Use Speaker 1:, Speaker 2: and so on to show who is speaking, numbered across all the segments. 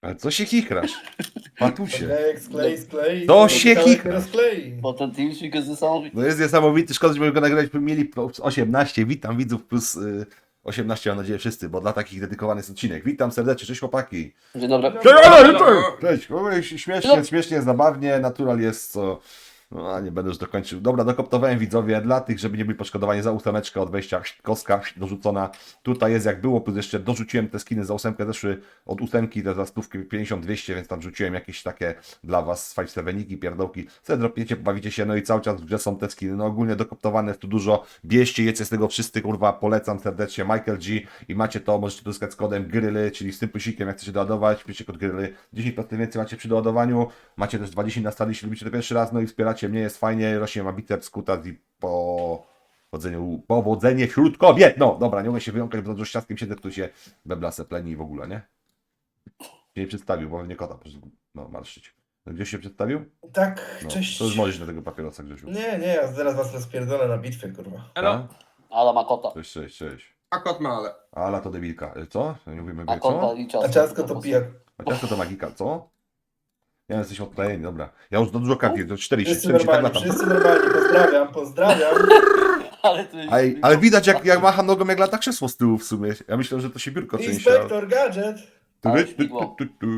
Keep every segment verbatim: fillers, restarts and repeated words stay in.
Speaker 1: Ale co się chichrasz? Patusie.
Speaker 2: Sklej, sklej, sklej.
Speaker 1: To się
Speaker 2: kawałek
Speaker 1: chichra.
Speaker 2: nie rozklei.
Speaker 3: Bo ten teamspeak jest niesamowity.
Speaker 1: No jest niesamowity, szkoda, że go nagrać, by mieli plus osiemnaście. Witam widzów plus y, osiemnaście, mam nadzieję wszyscy, bo dla takich dedykowany jest odcinek. Witam serdecznie, cześć chłopaki.
Speaker 3: Dzień dobry.
Speaker 1: Cześć, cześć, śmiesznie, śmiesznie, zabawnie, natural jest co... No, a nie będę już dokończył. Dobra, dokoptowałem widzowie dla tych, żeby nie byli poszkodowani za ósemeczkę od wejścia, kostka dorzucona. Tutaj jest jak było, plus jeszcze dorzuciłem te skiny za ósemkę, zeszły od ósemki, te za stówki pięćdziesiąt dwieście, więc tam rzuciłem jakieś takie dla was five seveniki, pierdołki. Co dropiecie, bawicie się, no i cały czas w grze są te skiny. No ogólnie dokoptowane jest tu dużo. Bierzcie, jecie z tego wszyscy, kurwa, polecam serdecznie. Michael G i macie to, możecie to uzyskać z kodem gryly, czyli z tym plusikiem, jak chcecie doładować, piszcie kod gryly. dziesięć procent więcej macie przy doładowaniu. Macie też dwadzieścia na stali, jeśli lubicie to pierwszy raz, no i wspieracie mnie, jest fajnie, rośnie ma biceps, kutas i po... Powodzenie, powodzenie wśród kobiet! No, dobra, nie mogę się wyjąkać, bo za dużo ściaskiem siedzę, tu się beblasę pleni i w ogóle, nie? Się nie przedstawił, bo nie kota, proszę, no, marszyć. No, gdzieś się przedstawił?
Speaker 2: Tak,
Speaker 1: No,
Speaker 2: cześć.
Speaker 1: to już możesz na tego papierosa, Grzesiu.
Speaker 2: Nie, nie, ja zaraz was rozpierdolę na bitwie, kurwa.
Speaker 1: Elo.
Speaker 3: Ala ma kota.
Speaker 1: Cześć, cześć, cześć.
Speaker 4: A kot ma, ale.
Speaker 1: Ala to debilka. Y, Co? Nie mówimy,
Speaker 3: A
Speaker 1: by,
Speaker 3: kota
Speaker 1: co?
Speaker 3: i
Speaker 2: A
Speaker 3: ciasto.
Speaker 2: ciastko to pijak.
Speaker 1: A ciasto to magika, co? Ja jesteś odklejeni, dobra. Ja już do dużo karty, to cztery,
Speaker 2: Wszyscy
Speaker 1: cztery się tak
Speaker 2: normalni,
Speaker 1: latam.
Speaker 2: wszyscy normalni, pozdrawiam, pozdrawiam.
Speaker 3: Ale to jest...
Speaker 1: Ej, ale widać jak, jak macha nogą, jak lata krzesło z tyłu w sumie. Ja myślę, że to się biurko trzęsie.
Speaker 2: Inspektor Gadżet.
Speaker 1: Tu,
Speaker 3: Ale
Speaker 1: tu, tu,
Speaker 3: śmigło.
Speaker 1: tu, tu.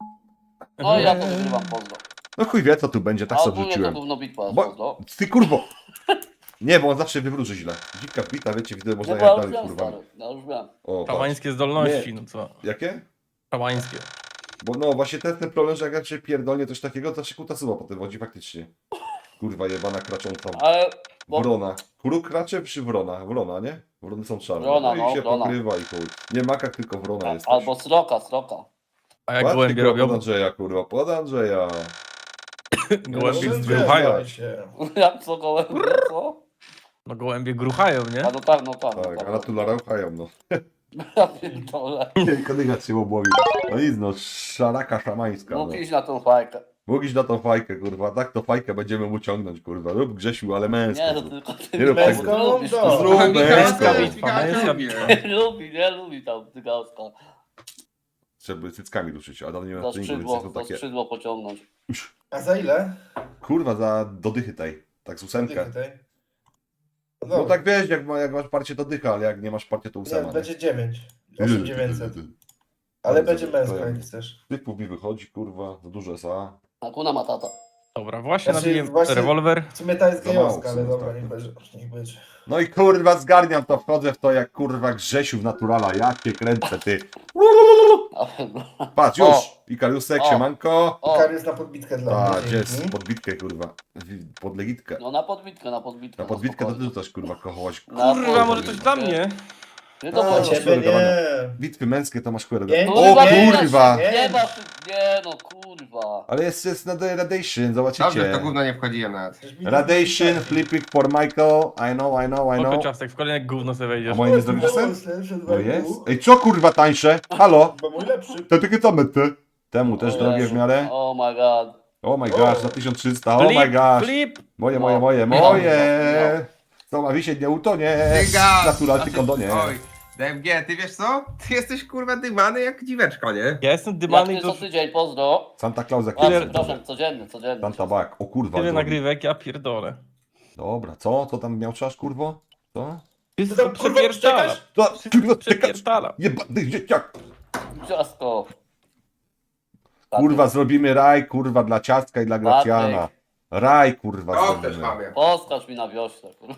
Speaker 3: No ja to wygrywam, pozdro.
Speaker 1: No chuj wie co tu będzie, tak
Speaker 3: A
Speaker 1: sobie
Speaker 3: ogólnie to
Speaker 1: rzuciłem.
Speaker 3: gówno bitwa jest,
Speaker 1: Bo,
Speaker 3: pozdro.
Speaker 1: ty kurwo! Nie, bo on zawsze wywróży źle. Dzika wbita, wiecie, widzę, można
Speaker 3: Nie,
Speaker 1: jechać
Speaker 3: bo ja już
Speaker 1: dalej,
Speaker 3: wiem,
Speaker 1: kurwa.
Speaker 3: stary. Ja już wiem.
Speaker 1: O, patrz.
Speaker 5: Szałańskie zdolności, no co?
Speaker 1: Jakie?
Speaker 5: Szałańskie.
Speaker 1: Bo no właśnie ten, ten problem, że jak ja cię pierdolnie coś takiego, to się kutasuwa potem wodzi faktycznie. Kurwa jebana kracząca
Speaker 3: Ale... Bo...
Speaker 1: wrona. Kuru kracze przy wrona? Wrona, nie? Wrony są czarne.
Speaker 3: Wrona,
Speaker 1: i
Speaker 3: no,
Speaker 1: się
Speaker 3: wrona.
Speaker 1: pokrywa i chuj. Nie makak, tylko wrona jest.
Speaker 3: Albo sroka, sroka.
Speaker 5: A jak
Speaker 1: Patrz,
Speaker 5: gołębie
Speaker 1: tylko
Speaker 5: robią?
Speaker 1: Pod Andrzeja, kurwa, pod Andrzeja.
Speaker 5: Gołębie
Speaker 2: No,
Speaker 5: gruchają.
Speaker 2: zgadzaj się.
Speaker 3: Jak co gołębie, co?
Speaker 5: No gołębie gruchają, nie?
Speaker 3: A no tak, no tak. no
Speaker 1: Tak,
Speaker 3: tak.
Speaker 1: a na tu larauchają, no.
Speaker 3: Ja pierdolę.
Speaker 1: Nie, kodyga się obłowił. No nic, no, szaraka szamańska, no.
Speaker 3: Mógł iść na tą fajkę.
Speaker 1: Mógł iść na tą fajkę, kurwa, tak to fajkę będziemy mu ciągnąć, kurwa. Rób Grzesiu, ale męsko.
Speaker 3: Nie, to
Speaker 1: zrób.
Speaker 3: tylko ty
Speaker 1: Nie rób
Speaker 3: lubisz,
Speaker 2: tego.
Speaker 3: lubisz,
Speaker 2: No,
Speaker 3: kurwa.
Speaker 1: zrób.
Speaker 5: Męska
Speaker 1: Męska
Speaker 5: bitwa, męska bitwa.
Speaker 3: Lubi, nie lubi tam tygaska.
Speaker 1: Żeby cyckami ruszyć, a dalej nie ma
Speaker 3: Za
Speaker 1: treningu, więc
Speaker 3: skrzydło,
Speaker 1: są
Speaker 3: za
Speaker 1: takie...
Speaker 3: skrzydło pociągnąć.
Speaker 2: A za ile?
Speaker 1: Kurwa, za dodychy tej, tak z ósemkę.
Speaker 2: Tutaj.
Speaker 1: No tak wiesz, jak, ma, jak masz parcie to dycha, ale jak nie masz parcie to
Speaker 2: Nie,
Speaker 1: ósema.
Speaker 2: będzie dziewięć. osiem tysięcy dziewięćset. Ale
Speaker 1: Bardzo
Speaker 2: będzie
Speaker 1: dobrze,
Speaker 2: męska,
Speaker 1: to ja-
Speaker 2: jak chcesz.
Speaker 1: Typów mi wychodzi, kurwa, za dużo S A.
Speaker 3: A kuna ma tata.
Speaker 5: Dobra, właśnie
Speaker 2: Znaczy,
Speaker 5: nabiję
Speaker 2: właśnie-
Speaker 5: rewolwer.
Speaker 2: W sumie ta jest
Speaker 1: Za mało
Speaker 2: gejowska, ale
Speaker 1: w sumie,
Speaker 2: dobra,
Speaker 1: tak.
Speaker 2: niech będzie. Niech będzie.
Speaker 1: No i kurwa zgarniam to, wchodzę w to jak kurwa Grzesiu w naturala, jak cię kręcę, ty. Patrz, już!
Speaker 3: O!
Speaker 1: Ikariusek,
Speaker 3: O!
Speaker 1: siemanko.
Speaker 3: O,
Speaker 2: Karius na podbitkę dla
Speaker 1: A,
Speaker 2: mnie.
Speaker 1: gdzie jest
Speaker 2: dzięki.
Speaker 1: podbitkę, kurwa. W- Podlegitkę.
Speaker 3: no na podbitkę, na podbitkę.
Speaker 1: Na podbitkę to ty
Speaker 3: spokojnie.
Speaker 1: rzucasz, kurwa, kochować.
Speaker 3: Na
Speaker 5: Kurwa, może
Speaker 3: podbitkę.
Speaker 5: coś dla mnie?
Speaker 3: Nie
Speaker 1: A,
Speaker 3: to
Speaker 2: Dla
Speaker 3: chodzi.
Speaker 1: ciebie.
Speaker 2: ciebie nie.
Speaker 1: Bitwy męskie to masz chuj.
Speaker 2: Nie,
Speaker 1: O
Speaker 2: nie,
Speaker 1: kurwa!
Speaker 2: nie.
Speaker 3: Nie ma, nie no kurwa.
Speaker 1: Ale jest, jest na the Radation,
Speaker 4: Dobrze, w to
Speaker 1: zobaczycie.
Speaker 4: gówno nie wchodziłem nawet.
Speaker 2: Przecież mi-
Speaker 1: Radation, flipping for Michael. I know, I know, I
Speaker 5: Oko
Speaker 1: know.
Speaker 5: ciastek, w kolejne gówno sobie
Speaker 1: A
Speaker 5: wejdziesz.
Speaker 1: moje nie zrobisz sen?
Speaker 2: Lepszy dwa
Speaker 1: No
Speaker 2: i pół.
Speaker 1: jest. Ej, co kurwa tańsze? Halo?
Speaker 2: Bo mój lepszy.
Speaker 1: To takie same te. Temu też
Speaker 3: O
Speaker 1: drogie w
Speaker 3: Jezu.
Speaker 1: miarę.
Speaker 3: Oh my god.
Speaker 1: Oh my gosh, za tysiąc trzysta, oh my
Speaker 5: Flip,
Speaker 1: gosh.
Speaker 5: flip!
Speaker 1: Moje,
Speaker 3: No.
Speaker 1: moje, moje,
Speaker 3: No,
Speaker 1: moje. Co ma wisieć, nie utonie.
Speaker 4: Dyga!
Speaker 1: Natural, ty
Speaker 4: Znaczy,
Speaker 1: kondonie.
Speaker 4: Oj, D M G, ty wiesz co? Ty jesteś kurwa dymany jak dziweczka, nie?
Speaker 5: Ja jestem
Speaker 3: Jak
Speaker 5: dymany
Speaker 3: ty
Speaker 5: i
Speaker 3: co
Speaker 5: to
Speaker 3: tydzień, pozdro.
Speaker 1: Santa Claus jak
Speaker 3: A,
Speaker 5: Ile-
Speaker 3: przepraszam, codzienny, codzienny.
Speaker 1: Santa Bak, o kurwa.
Speaker 5: tyle
Speaker 1: drogi.
Speaker 5: nagrywek, ja pierdolę.
Speaker 1: Dobra, co? Co tam miał czasz, kurwo? Co?
Speaker 5: Wszystko
Speaker 2: tam, kurwa,
Speaker 5: przepierdala.
Speaker 2: czekasz?
Speaker 1: Co? Kurwa, czekasz.
Speaker 5: Przepierdala.
Speaker 1: Jebany dzieciak.
Speaker 3: Ciastko.
Speaker 1: Kurwa, zrobimy raj, kurwa, dla ciastka i dla Gracjana.
Speaker 3: Patryk.
Speaker 1: Raj, kurwa,
Speaker 4: O, też
Speaker 1: zrobimy.
Speaker 4: mamie.
Speaker 3: Poskacz mi na wiośle, kurwa.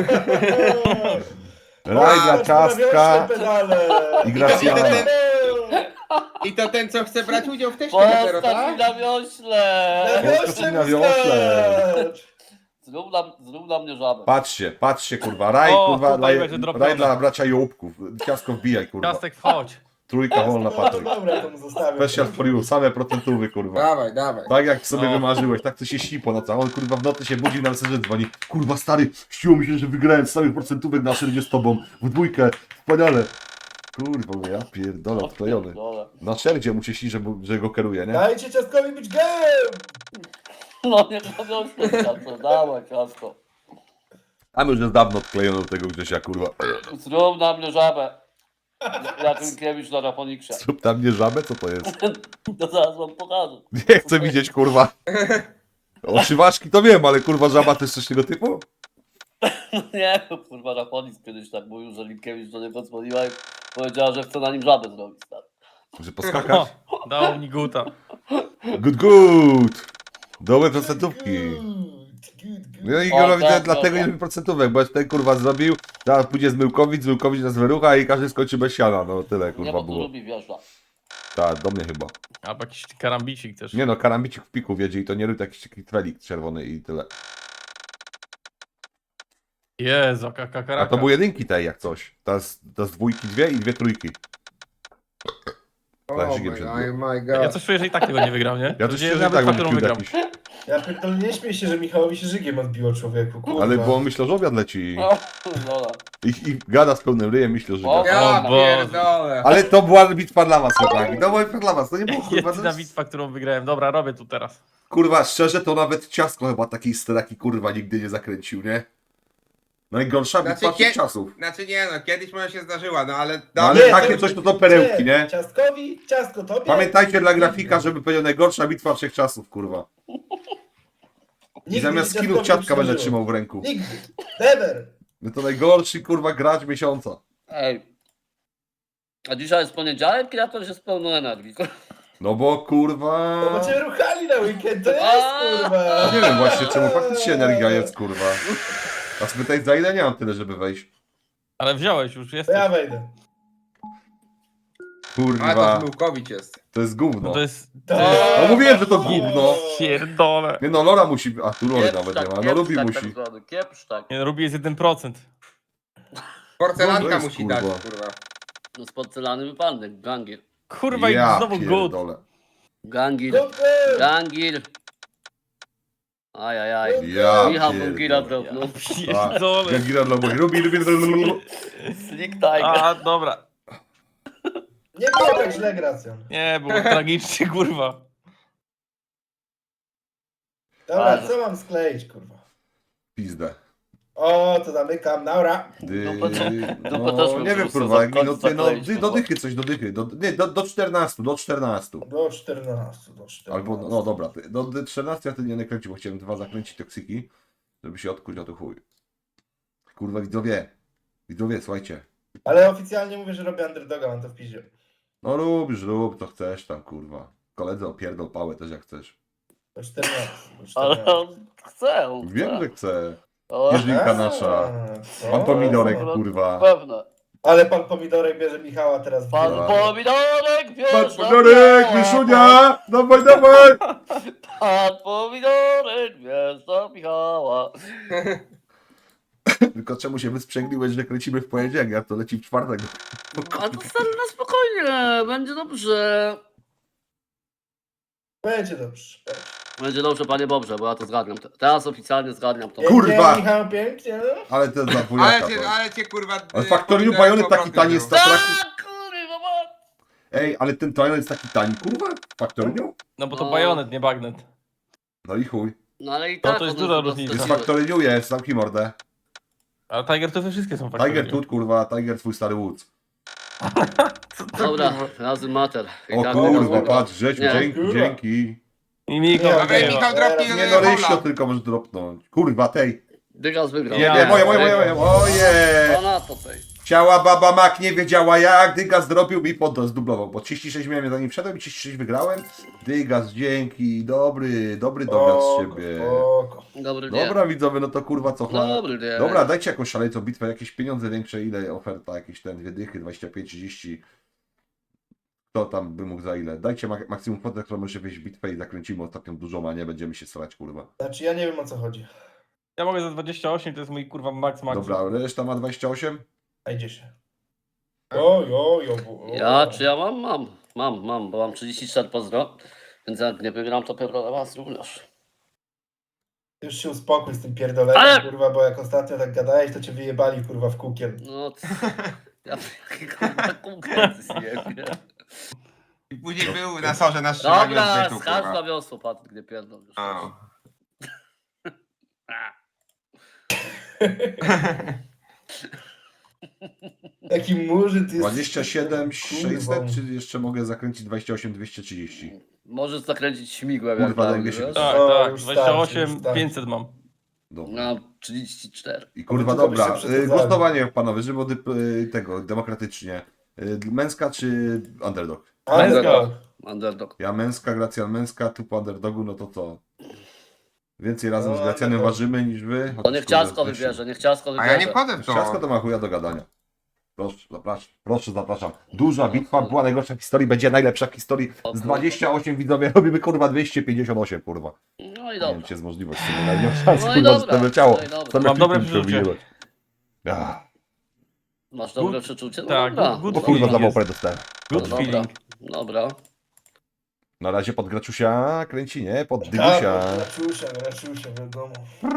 Speaker 1: Raj dla ciastka i Gracjana.
Speaker 4: I to ten, co chce brać udział w teście dopiero,
Speaker 3: Poskacz mi
Speaker 4: tak?
Speaker 3: na wiośle.
Speaker 1: Poskacz na wiosle.
Speaker 3: Zrób na, zrób na mnie żabę.
Speaker 1: Patrzcie, patrzcie, kurwa, raj,
Speaker 5: O,
Speaker 1: kurwa,
Speaker 5: tutaj
Speaker 1: raj,
Speaker 5: będzie drobione.
Speaker 1: raj dla bracia Jołubków. Ciastko wbijaj, kurwa.
Speaker 5: Ciastek, wchodź.
Speaker 1: Trójka wolna,
Speaker 2: No to
Speaker 1: Patryk.
Speaker 2: dobra, to mu zostawię.
Speaker 1: Special for you, same procentówy, kurwa.
Speaker 4: Dawaj, dawaj.
Speaker 1: Tak jak sobie
Speaker 5: No.
Speaker 1: wymarzyłeś, tak to się śni po nocach. On kurwa w nocy się budzi na mesengerze dzwoni. Kurwa stary, śniło mi się, że wygrałem z samych procentówek na szerdzie z tobą. W dwójkę, wspaniale. Kurwa, mówię, ja pierdolę, odklejony.
Speaker 3: Dole.
Speaker 1: Na szerdzie mu się śni, że, mu- że go kieruje, nie?
Speaker 2: Dajcie ciastkowi być gejem!
Speaker 3: No nie na wiośle, ciastko. Dawaj, ciastko.
Speaker 1: A my już jest dawno odklejony do tego Grzesia, kurwa.
Speaker 3: Zrób na mnie żabę. Jak Minkiewicz na Rafoniksie.
Speaker 1: Zrób tam mnie żabę, co to jest?
Speaker 3: To zaraz wam pokażę.
Speaker 1: Nie chcę widzieć, kurwa. Oszywaczki to wiem, ale kurwa żaba to jest coś tego typu?
Speaker 3: Nie, no, kurwa, Rafonik kiedyś tak mówił, że Linkiewicz do niego dzwoniła i powiedziała, że chce na nim żabę zrobić. Tak.
Speaker 1: Że poskakać?
Speaker 5: O, dał mi guta.
Speaker 1: Good, good. Dobre procentówki.
Speaker 2: Good, good, good.
Speaker 1: No i
Speaker 3: O,
Speaker 1: Igorowi
Speaker 3: tak,
Speaker 1: to dlatego
Speaker 3: tak,
Speaker 1: nie
Speaker 3: tak.
Speaker 1: lubi procentówek, bo ten kurwa zrobił, teraz pójdzie z Myłkowic, z Myłkowic nas wyrucha i każdy skończy bez siana, no tyle
Speaker 3: Nie,
Speaker 1: kurwa
Speaker 3: bo tu
Speaker 1: było.
Speaker 3: lubi wjeżdża.
Speaker 1: Tak, do mnie chyba.
Speaker 5: Albo jakiś karambicik też.
Speaker 1: Nie no, karambicik w piku wiedzie i to nie rób jakiś taki twelik czerwony i tyle.
Speaker 5: Jezu, jaka karaka.
Speaker 1: A to były jedynki tej jak coś. Teraz, teraz dwójki dwie i dwie trójki.
Speaker 4: Oh
Speaker 1: Flashigiem
Speaker 4: my,
Speaker 1: się
Speaker 4: oh my
Speaker 5: Ja
Speaker 4: god.
Speaker 5: coś czuję, że i tak tego nie wygram, nie?
Speaker 1: Ja
Speaker 5: To
Speaker 1: też
Speaker 5: będzie
Speaker 1: szczerze
Speaker 5: nawet
Speaker 1: tak będzie
Speaker 5: fakturą
Speaker 1: cute
Speaker 5: wygram.
Speaker 1: jakiś.
Speaker 2: Ja pierdolę, nie śmiej się, że Michałowi się żygiem odbiło człowieku, kurwa.
Speaker 1: Ale bo on myślał, że obiad leci
Speaker 3: No, dobra.
Speaker 1: i, i gada z pełnym ryjem, myślał, że
Speaker 3: O,
Speaker 1: gada.
Speaker 4: Ja
Speaker 5: O Boże.
Speaker 4: pierdolę.
Speaker 1: Ale to była bitwa dla was, chłopaki. To była bitwa dla was, to nie było kurwa. To
Speaker 5: Jedyna
Speaker 1: jest...
Speaker 5: bitwa, którą wygrałem. Dobra, robię tu teraz.
Speaker 1: Kurwa, szczerze, to nawet ciastko chyba takiej steraki kurwa nigdy nie zakręcił, nie? Najgorsza
Speaker 4: Znaczy,
Speaker 1: bitwa tych
Speaker 4: kie-
Speaker 1: czasów.
Speaker 4: Znaczy nie no, kiedyś może się zdarzyła, no ale...
Speaker 1: No ale
Speaker 2: Nie,
Speaker 1: takie
Speaker 2: to-
Speaker 1: coś to to perełki, nie?
Speaker 2: Ciastkowi, ciastko tobie.
Speaker 1: Pamiętajcie dla grafika, żeby powiedział najgorsza bitwa wszechczasów, kurwa. I
Speaker 2: Nigdy
Speaker 1: zamiast
Speaker 2: się
Speaker 1: skinów
Speaker 2: ciastkowi
Speaker 1: ciatka
Speaker 2: nie
Speaker 1: będę
Speaker 2: przydarzyło.
Speaker 1: trzymał w ręku.
Speaker 2: Nigdy. Never.
Speaker 1: No to najgorszy kurwa gracz miesiąca.
Speaker 3: Ej. A dzisiaj jest poniedziałek i ja to już jest pełno energii.
Speaker 1: No bo kurwa...
Speaker 2: No bo cię ruchali na weekend, to jest
Speaker 3: A,
Speaker 2: kurwa.
Speaker 1: Nie wiem właśnie czemu faktycznie energia jest kurwa. A spytaj za ile nie mam tyle, żeby wejść.
Speaker 5: Ale wziąłeś już,
Speaker 2: To
Speaker 5: jesteś.
Speaker 2: ja wejdę.
Speaker 4: Ale
Speaker 1: Kurwa,
Speaker 4: to Zmyłkowicz jest.
Speaker 1: to jest gówno.
Speaker 5: No to jest...
Speaker 2: Tak.
Speaker 1: No mówiłem, że to gówno.
Speaker 5: Pierdolę.
Speaker 1: Nie no, Lora musi... A tu Lory
Speaker 3: Kiepsz
Speaker 1: nawet
Speaker 3: tak,
Speaker 1: nie ma. No
Speaker 3: kiepsz
Speaker 1: Lubi
Speaker 3: tak,
Speaker 1: musi.
Speaker 3: tak zwany, kiepsz tak.
Speaker 5: Nie, no, Ruby jest jeden procent.
Speaker 1: No
Speaker 4: Porcelanka
Speaker 1: to jest,
Speaker 4: musi
Speaker 1: kurwa.
Speaker 4: dać, kurwa.
Speaker 3: No z porcelany wypadek, gangir.
Speaker 5: Kurwa,
Speaker 1: Ja
Speaker 5: i znowu good.
Speaker 1: pierdolę.
Speaker 3: Gangir,
Speaker 2: Good girl.
Speaker 3: gangir. Ajajaj.
Speaker 1: Ja
Speaker 3: Michał Bungira
Speaker 1: pierdolę.
Speaker 3: dropnął.
Speaker 5: Pierdolę.
Speaker 1: Gangira dla moich. Lubi, lubi, lubi, lubi.
Speaker 3: Slick Tiger.
Speaker 5: A, dobra.
Speaker 2: Nie było tak źle, Gracjan.
Speaker 5: Nie, było tragicznie, kurwa.
Speaker 2: Dobra,
Speaker 3: Ale-
Speaker 2: co mam skleić, kurwa?
Speaker 1: Pizdę.
Speaker 2: O, to zamykam, naura.
Speaker 1: Dy...
Speaker 3: Dupę to- dupę
Speaker 1: No,
Speaker 3: też bym
Speaker 1: nie wiem
Speaker 3: wrzucał,
Speaker 1: kurwa, jak
Speaker 3: za
Speaker 1: minuty, no
Speaker 3: zakleić,
Speaker 1: dy, do
Speaker 3: kurwa.
Speaker 1: dychy coś, do dychy, do, nie, do, do czternastu, do czternastu.
Speaker 2: Do czternastu, do czternastu.
Speaker 1: Albo, no dobra, ty- do, do czternastu ja wtedy nie nakręcił, bo chciałem dwa zakręcić toksyki, żeby się odkuć, a to chuj. Kurwa widzowie, widzowie, słuchajcie.
Speaker 2: Ale oficjalnie mówię, że robię underdoga, mam to w piździe.
Speaker 1: No lubisz, rób, to chcesz tam, kurwa. Koledze opierdol pałę też jak chcesz.
Speaker 2: Do czternastu. Do
Speaker 3: Ale
Speaker 2: czternastu.
Speaker 3: on chce, on
Speaker 1: Wiem,
Speaker 3: chce.
Speaker 1: że chcę.
Speaker 3: O,
Speaker 1: Jeżyjka nasza.
Speaker 2: co?
Speaker 1: Pan Pomidorek,
Speaker 3: no,
Speaker 1: kurwa.
Speaker 3: Pewne.
Speaker 2: Ale pan Pomidorek bierze Michała teraz w
Speaker 3: Pan
Speaker 2: grę.
Speaker 3: Pomidorek, wiesz,
Speaker 1: Pan
Speaker 3: no,
Speaker 1: Pomidorek,
Speaker 3: Michała.
Speaker 1: Myszunia! Dawaj, dawaj!
Speaker 3: Pan Pomidorek, wiesz, do Michała.
Speaker 1: Tylko czemu się wysprzęgliłeś, że kręcimy w poniedziałek, a to leci w czwartek.
Speaker 3: A to stary na spokojnie, będzie dobrze.
Speaker 2: Będzie dobrze.
Speaker 3: Będzie dobrze, panie Bobrze, bo ja to zgadniam. Teraz oficjalnie zgadniam to.
Speaker 1: Kurwa!
Speaker 2: Pięknie, Michał, pięknie. No.
Speaker 1: Ale to za
Speaker 4: Ale
Speaker 1: dwójaka
Speaker 4: cię,
Speaker 1: to.
Speaker 4: ale cię kurwa...
Speaker 1: Ale
Speaker 4: y,
Speaker 1: Factoriu
Speaker 4: pomidorek
Speaker 1: Bajonet
Speaker 4: po
Speaker 1: taki
Speaker 4: prostu
Speaker 1: tani
Speaker 4: wziął.
Speaker 1: jest to-
Speaker 3: Tak, kurwa, ma-
Speaker 1: Ej, ale ten Twilight jest taki tani, kurwa? Faktorinią?
Speaker 5: No bo to
Speaker 3: No.
Speaker 5: bajonet, nie bagnet.
Speaker 1: No i chuj.
Speaker 3: No ale i
Speaker 5: No
Speaker 3: tak
Speaker 5: to jest
Speaker 3: one
Speaker 5: duża
Speaker 3: są
Speaker 5: różnica.
Speaker 1: Jest
Speaker 3: dostosowane.
Speaker 1: Factoriniu jest, zamknij mordę.
Speaker 5: Ale Tiger to wszystkie są
Speaker 1: Tiger
Speaker 5: faktory.
Speaker 1: Tooth, kurwa, Tiger twój stary Woods.
Speaker 3: Dobra, razem mater. I
Speaker 1: O
Speaker 3: tak
Speaker 1: kurwa,
Speaker 3: teraz-
Speaker 1: patrz, Grzesiu,
Speaker 3: Nie.
Speaker 1: dzięki,
Speaker 2: Kurwa.
Speaker 1: dzięki.
Speaker 5: I Michał
Speaker 2: Nie,
Speaker 4: Dawaj,
Speaker 5: wygrywa.
Speaker 4: Michał, dropnij
Speaker 2: Teraz
Speaker 1: Nie
Speaker 4: do
Speaker 1: no, Ryśko
Speaker 4: Paula.
Speaker 1: tylko możesz dropnąć. Kurwa, tej.
Speaker 3: Dygas wygrał.
Speaker 1: Nie,
Speaker 5: Ja.
Speaker 1: nie, moje, moje, moje, moje. Oje!
Speaker 3: To na to tej.
Speaker 1: Chciała baba Mak, nie wiedziała jak, Dygas zrobił mi pod zdublował, bo trzydzieści sześć miałem zanim wszedłem i trzydzieści sześć wygrałem. Dygas, dzięki, dobry, dobry dowiad z ciebie.
Speaker 2: Spoko.
Speaker 3: Dobry dzień.
Speaker 1: Dobra widzowie, no to kurwa co chlap.
Speaker 3: Dobry dzień.
Speaker 1: Dobra, dajcie jakąś szaleńcą bitwę, jakieś pieniądze większe, ile oferta, jakieś ten, dwie dychy, dwadzieścia pięć, trzydzieści. Kto tam by mógł za ile? Dajcie mak maksimum kwotę, którą może wyjść bitwę i zakręcimy ostatnią dużą, a nie będziemy się starać, kurwa.
Speaker 2: Znaczy ja nie wiem o co chodzi.
Speaker 5: Ja mogę za dwadzieścia osiem, to jest mój kurwa max max.
Speaker 1: Dobra, reszta ma dwadzieścia osiem?
Speaker 2: A idzie się. O, jo, jo, o.
Speaker 3: Ja, czy ja mam? Mam, mam, mam, bo mam trzydzieści cztery pozdro. Więc jak nie wygram, to pewno na was również.
Speaker 2: Już się uspokój z tym pierdoleniem,
Speaker 3: Ale-
Speaker 2: kurwa, bo jak ostatnio tak gadałeś, to cię wyjebali, kurwa, w kukiel.
Speaker 3: No, c- ja jakie kurwa konkurencji zjebie.
Speaker 4: I później był na sorze na strzymaniu
Speaker 3: Dobra,
Speaker 4: odbytu,
Speaker 3: skacz na
Speaker 4: kurwa.
Speaker 3: wiosło, Patryk, nie pierdol już.
Speaker 4: O.
Speaker 2: Jaki murzyn ty jest.
Speaker 1: dwadzieścia siedem
Speaker 2: Kurwa.
Speaker 1: sześćset, czy jeszcze mogę zakręcić dwadzieścia osiem dwieście trzydzieści?
Speaker 3: Możesz zakręcić śmigłem.
Speaker 1: Kurwa,
Speaker 3: jak
Speaker 1: najmniej się
Speaker 3: wiesz?
Speaker 1: wydaje.
Speaker 5: Tak,
Speaker 2: O,
Speaker 5: tak,
Speaker 2: już
Speaker 5: dwadzieścia osiem
Speaker 2: starczy, już starczy.
Speaker 5: pięćset mam.
Speaker 1: Dobra.
Speaker 3: No, trzydzieści cztery.
Speaker 1: I kurwa,
Speaker 2: Tylko byście
Speaker 1: dobra,
Speaker 2: przesadzali.
Speaker 1: y, głosowanie panowie, żeby od, y, tego, demokratycznie. Y, Męska czy underdog?
Speaker 2: Underdog.
Speaker 3: Underdog.
Speaker 1: Ja męska, Gracjan męska, tu po underdogu, no to co? Więcej razem
Speaker 2: No,
Speaker 1: z Gracjanem
Speaker 2: underdog.
Speaker 1: ważymy niż wy?
Speaker 3: To niech ciasko wybierze, niech ciasko
Speaker 4: A
Speaker 3: wybierze.
Speaker 4: ja nie wchodzę w to.
Speaker 1: Ciasko to ma chuja do gadania. Proszę, zapraszam, proszę, zapraszam. Duża bitwa była najgorsza w historii, będzie najlepsza w historii. Z dwadzieścia osiem widzowie robimy kurwa dwieście pięćdziesiąt osiem, kurwa.
Speaker 3: No i
Speaker 1: Nie wiem,
Speaker 3: dobra.
Speaker 1: czy jest możliwość, w sumie, nie mam szans,
Speaker 3: No i
Speaker 1: kurwa, że
Speaker 3: dobra,
Speaker 1: to leciało.
Speaker 3: no i dobra.
Speaker 1: Same
Speaker 5: Mam dobre
Speaker 1: klipy
Speaker 5: przeczucie.
Speaker 1: przewijać. Ja.
Speaker 3: Masz dobre
Speaker 5: Good-
Speaker 3: przeczucie? No
Speaker 5: tak,
Speaker 3: dobra.
Speaker 5: good- good
Speaker 1: O kurwa,
Speaker 5: feeling
Speaker 1: za
Speaker 5: jest.
Speaker 1: małpę dostałem.
Speaker 5: Good
Speaker 3: Dobra.
Speaker 5: feeling.
Speaker 3: Dobra.
Speaker 1: Na razie pod Graczusia kręci, nie? Pod
Speaker 2: Tak,
Speaker 1: Dygusia.
Speaker 2: Raczusia, raczusia, wiadomo.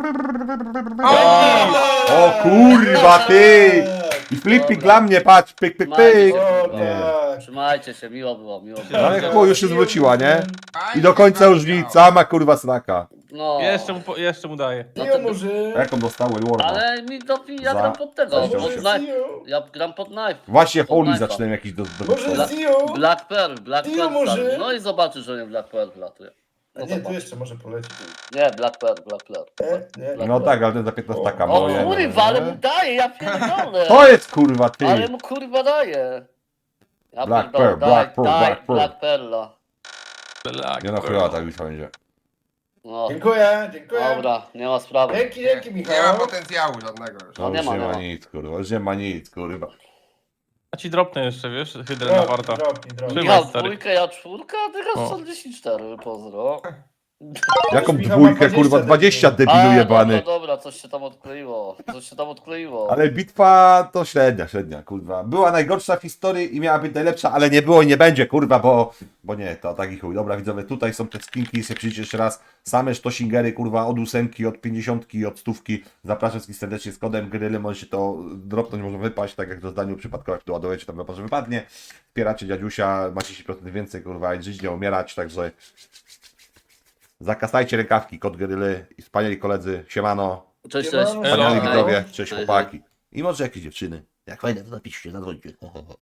Speaker 1: O kurwa, ty! I flipik
Speaker 3: Dobra.
Speaker 1: dla mnie, patrz, pyk, pyk, pyk.
Speaker 2: O
Speaker 1: Nie.
Speaker 2: tak.
Speaker 3: Trzymajcie się, miło było, miło
Speaker 1: No
Speaker 3: było.
Speaker 1: ale chuj, już się zwróciła, nie? I
Speaker 4: Fajnie,
Speaker 1: do końca już
Speaker 4: fajnie.
Speaker 1: nic, sama kurwa sraka.
Speaker 3: No.
Speaker 5: Jeszcze mu, po- jeszcze mu daję.
Speaker 3: No
Speaker 2: Dio
Speaker 3: to-
Speaker 2: murzyn.
Speaker 1: Jaką dostał Warma?
Speaker 3: Ale mi to ja
Speaker 1: Za-
Speaker 3: gram pod tego,
Speaker 1: za-
Speaker 3: pod
Speaker 1: za-
Speaker 3: knife.
Speaker 2: Dio.
Speaker 3: Ja gram pod knife.
Speaker 1: Właśnie
Speaker 3: Pod
Speaker 1: Holy
Speaker 3: knife'a.
Speaker 1: zaczynałem jakiś do, do
Speaker 2: Może
Speaker 1: do-
Speaker 2: Dio.
Speaker 3: Black Pearl, Black
Speaker 2: Dio
Speaker 3: Pearl.
Speaker 2: może?
Speaker 3: stary. No i zobaczysz, że nie Black Pearl latuje.
Speaker 2: A
Speaker 3: No
Speaker 2: nie, tu
Speaker 3: zobacz.
Speaker 2: jeszcze może polecieć.
Speaker 3: Nie, Black Pearl, Black Pearl.
Speaker 2: Nie, nie.
Speaker 1: No tak, ale ten za piętnaście taka
Speaker 3: O
Speaker 1: moje.
Speaker 3: kurwa, ale mu daje, ja pierdolę.
Speaker 1: To jest kurwa ty!
Speaker 3: Ale mu kurwa daje. Ja
Speaker 1: Black
Speaker 3: pierdolę,
Speaker 1: Pearl,
Speaker 3: daj,
Speaker 1: Black Pearl,
Speaker 3: daj,
Speaker 1: Black Pearl.
Speaker 3: Black Pearla.
Speaker 5: Black
Speaker 1: Nie no
Speaker 5: Pearl.
Speaker 1: chujowa ta bitwa będzie.
Speaker 3: No,
Speaker 2: Dziękuję, dziękuję.
Speaker 3: dobra, nie ma sprawy.
Speaker 2: Dzięki, dzięki
Speaker 4: Nie ma
Speaker 2: Michał.
Speaker 4: potencjału żadnego już.
Speaker 1: To
Speaker 3: No
Speaker 1: już
Speaker 3: nie ma,
Speaker 1: nie
Speaker 3: nie
Speaker 1: ma
Speaker 3: ma.
Speaker 1: nic kurwa, już nie ma nic kurwa.
Speaker 5: A ci dropnę jeszcze, wiesz, hydrę na warta.
Speaker 2: Dropnij, dropnij.
Speaker 5: Trzymaj,
Speaker 3: Michał
Speaker 5: stary.
Speaker 3: dwójkę, ja czwórkę, a ty
Speaker 5: O.
Speaker 3: grasz czterdzieści cztery, pozdro.
Speaker 1: Jaką
Speaker 2: Michał ma
Speaker 1: dwójkę kurwa,
Speaker 2: dwadzieścia
Speaker 1: dwadzieścia debilu
Speaker 3: A,
Speaker 1: jebany.
Speaker 3: dobra, dobra, coś się tam odkleiło, coś się tam odkleiło.
Speaker 1: Ale bitwa to średnia, średnia, kurwa. Była najgorsza w historii i miała być najlepsza, ale nie było i nie będzie, kurwa, bo... Bo nie, to taki chuj. Dobra, widzowie, tutaj są te skinki, jak przyjdziecie jeszcze raz, same sztosingery, kurwa, od ósemki, od pięćdziesiątki, od stówki. Zapraszam wszystkich serdecznie z kodem gryly, możecie to dropnąć, może wypaść, tak jak to zdaniu przypadkowo, jak to ładujecie, tam może wypadnie. Wspieracie dziadziusia, macie dziesięć procent więcej, kurwa, i żyć, nie umierać, także... Zakasajcie rękawki, kod gryly i wspaniali koledzy, siemano.
Speaker 3: Cześć,
Speaker 2: Siemano.
Speaker 3: cześć.
Speaker 1: Wspaniali
Speaker 5: Elo.
Speaker 1: widzowie, cześć
Speaker 3: Hej,
Speaker 1: chłopaki. I może jakieś dziewczyny. Jak fajne, to napiszcie, zadzwońcie.